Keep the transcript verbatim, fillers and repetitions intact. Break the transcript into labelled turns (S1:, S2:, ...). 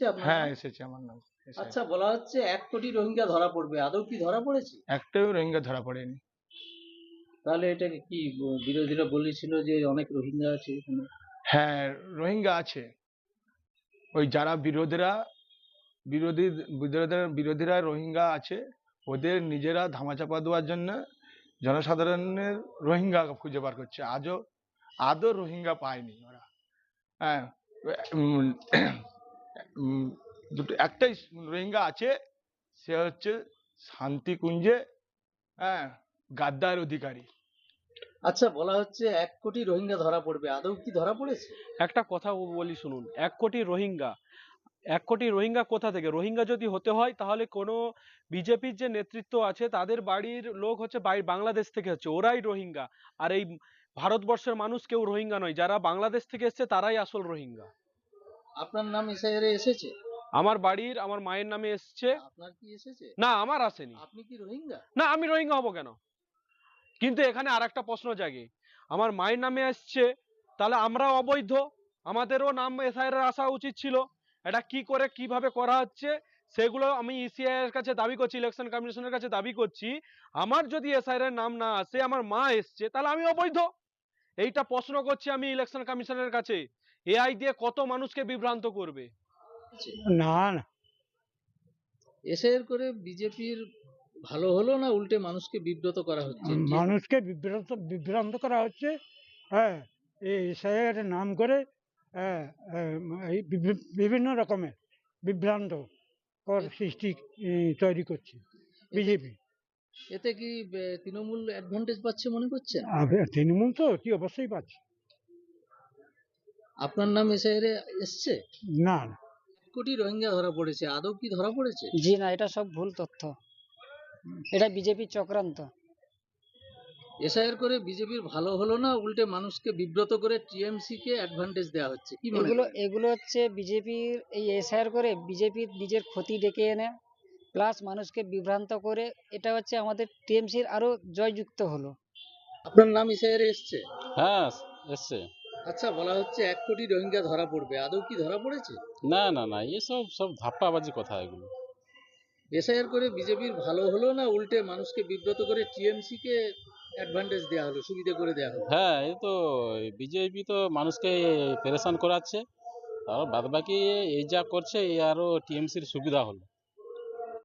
S1: এসেছে আপনার
S2: হ্যাঁ
S1: নাম?
S2: এসেছে আমার নাম এসেছে।
S1: আচ্ছা, বলা হচ্ছে এক কোটি রোহিঙ্গা ধরা পড়বে, আদৌ কি ধরা পড়েছে?
S2: একটাও রোহিঙ্গা ধরা পড়েনি।
S1: তাহলে এটা কি ব- বিরোধীরা বলেছিল যে অনেক রোহিঙ্গা আছে এখানে?
S2: হ্যাঁ রোহিঙ্গা আছে। ওই যারা বিরোধীরা বিরোধী বিরোধীরা বিরোধীরা রোহিঙ্গা আছে, ওদের নিজেরা ধামাচাপা দেওয়ার জন্য জনসাধারণের রোহিঙ্গা খুঁজে বার করছে। আজও আদৌ রোহিঙ্গা পায়নি ওরা। হ্যাঁ উম, উম, দুটো একটাই রোহিঙ্গা আছে, সে হচ্ছে শান্তিকুঞ্জে, হ্যাঁ, গাদ্দার অধিকারী।
S1: আচ্ছা, বলা হচ্ছে এক কোটি রোহিঙ্গা ধরা পড়বে, আদৌ কি ধরা পড়েছে?
S3: একটা কথা বলি শুনুন, এক কোটি রোহিঙ্গা এক কোটি রোহিঙ্গা কোথা থেকে? রোহিঙ্গা যদি হতে হয় তাহলে কোনো বিজেপির যে নেতৃত্ব আছে তাদের বাড়ির লোক হচ্ছে বাই- বাংলাদেশ থেকে হচ্ছে, ওরাই রোহিঙ্গা। আর এই ভারতবর্ষের মানুষ কেউ রোহিঙ্গা নয়, যারা বাংলাদেশ থেকে এসছে তারাই আসল রোহিঙ্গা।
S1: আপনার নাম এসআইআর এ এসেছে?
S3: আমার বাড়ির আমার মায়ের নামে এসছে।
S1: আপনার কি এসেছে?
S3: না, আমার আসেনি।
S1: আপনি কি রোহিঙ্গা?
S3: না, আমি রোহিঙ্গা হব কেন? কিন্তু এখানে আর একটা প্রশ্ন জাগে, আমার মায়ের নামে এসছে, তাহলে আমরা অবৈধ, আমাদেরও নাম এসআইআর আসা উচিত ছিল। এটা কি করে কিভাবে করা হচ্ছে সেগুলো আমি ইসিআই এর কাছে দাবি করছি, ইলেকশন কমিশনের কাছে দাবি করছি। আমার যদি এসআইআর এর নাম না আসে, আমার মা এসছে, তাহলে আমি অবৈধ। এইটা প্রশ্ন করছি আমি ইলেকশন কমিশনের কাছে। এআই দিয়ে কত মানুষকে বিভ্রান্ত করবে?
S4: না না,
S1: এসআইআর করে বিজেপির ভালো হলো না উল্টে মানুষকে বিব্রত করা হচ্ছে? যে-
S4: মানুষকে বিভ্রান্ত বিভ্রান্ত করা হচ্ছে। হ্যাঁ, এই এসআইয়ের নাম করে হ্যাঁ, আহ, এই বিভি- বিভিন্ন রকমের বিভ্রান্ত কর সৃষ্টি উম, তৈরি করছে বিজেপি।
S1: এতে কি বে- তৃণমূল অ্যাডভান্টেজ পাচ্ছে মনে করছেন?
S4: তৃণমূল তো কি অবশ্যই পাচ্ছে।
S1: আপনার নাম এসআইআর এ এসছে?
S4: না না,
S1: এক কোটি রোহিঙ্গা ধরা পড়েছে, আদৌ কি ধরা পড়েছে?
S5: জি না, এটা সব ভুল তথ্য, এটা বিজেপির চক্রান্ত।
S1: এসআইআর করে বিজেপির ভালো হলো না উল্টে মানুষকে বিব্রত করে টিএমসি কে অ্যাডভান্টেজ দেওয়া হচ্ছে, কি মনে
S5: এগুলো
S1: করেন?
S5: এগুলো হচ্ছে বিজেপির এই এসআইআর করে বিজেপির নিজের ক্ষতি ডেকে এনে প্লাস মানুষকে বিভ্রান্ত করে, এটা হচ্ছে আমাদের টিএমসির আরো জয়যুক্ত হলো।
S1: আপনার নাম এসআইআর এ এসছে?
S6: হ্যাঁ এসছে।
S1: আচ্ছা, বলা হচ্ছে এক কোটি রোহিঙ্গা ধরা পড়বে, আদৌ কি ধরা পড়েছে?
S6: না না না, এসব সব ধাপ্পাবাজি কথা এগুলো।
S1: এসআইআর করে বিজেপির ভালো হলো না উল্টে মানুষকে বিব্রত করে টিএমসি কে অ্যাডভান্টেজ দেওয়া হলো, সুবিধা করে দেওয়া হলো?
S6: হ্যাঁ, এই তো বিজেপি তো মানুষকে পেরেশান করাচ্ছে, আর বাদ বাকি এই যা করছে এই আরো টিএমসির সুবিধা হলো।